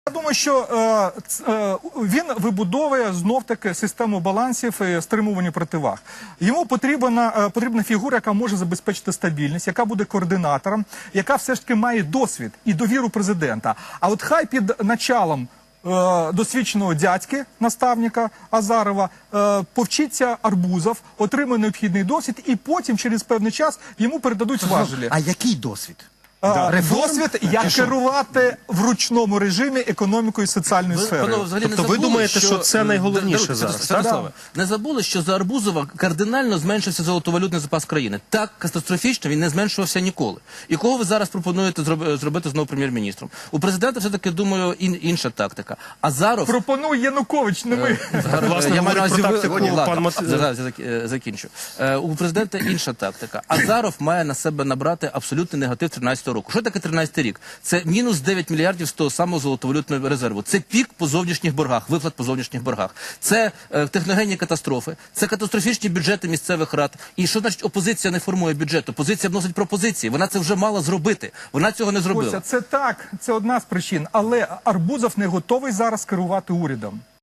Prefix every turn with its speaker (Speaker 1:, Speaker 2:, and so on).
Speaker 1: Я думаю, що він вибудовує знов-таки систему балансів і стримування противаг. Йому потрібна фігура, яка може забезпечити стабільність, яка буде координатором, яка все ж таки має досвід і довіру президента. А от хай під началом досвідченого дядьки, наставника Азарова, повчиться Арбузов, отримує необхідний досвід і потім через певний час йому передадуть важелі.
Speaker 2: А який досвід?
Speaker 1: Досвід, як керувати в ручному режимі економікою і соціальною сферою.
Speaker 3: Тобто ви думаєте, що це найголовніше зараз, так?
Speaker 4: Не забули, що за Арбузова кардинально зменшився золотовалютний запас країни. Так катастрофічно він не зменшувався ніколи. І кого ви зараз пропонуєте зробити знову прем'єр-міністром? У президента все-таки, думаю, інша тактика. Азаров...
Speaker 1: Пропонує Янукович, не ми.
Speaker 3: Власне, говорить про тактику пан Матвій.
Speaker 4: Закінчу. У президента інша тактика. Азаров має на себе набрати абсолютний негатив 13-го року. Що таке 13-й рік? Це мінус 9 мільярдів з того самого золотовалютного резерву. Це пік по зовнішніх боргах, виплат по зовнішніх боргах. Це техногенні катастрофи, це катастрофічні бюджети місцевих рад. І що значить опозиція не формує бюджет? Опозиція вносить пропозиції. Вона це вже мала зробити. Вона цього не зробила.
Speaker 1: Це так, це одна з причин. Але Арбузов не готовий зараз керувати урядом.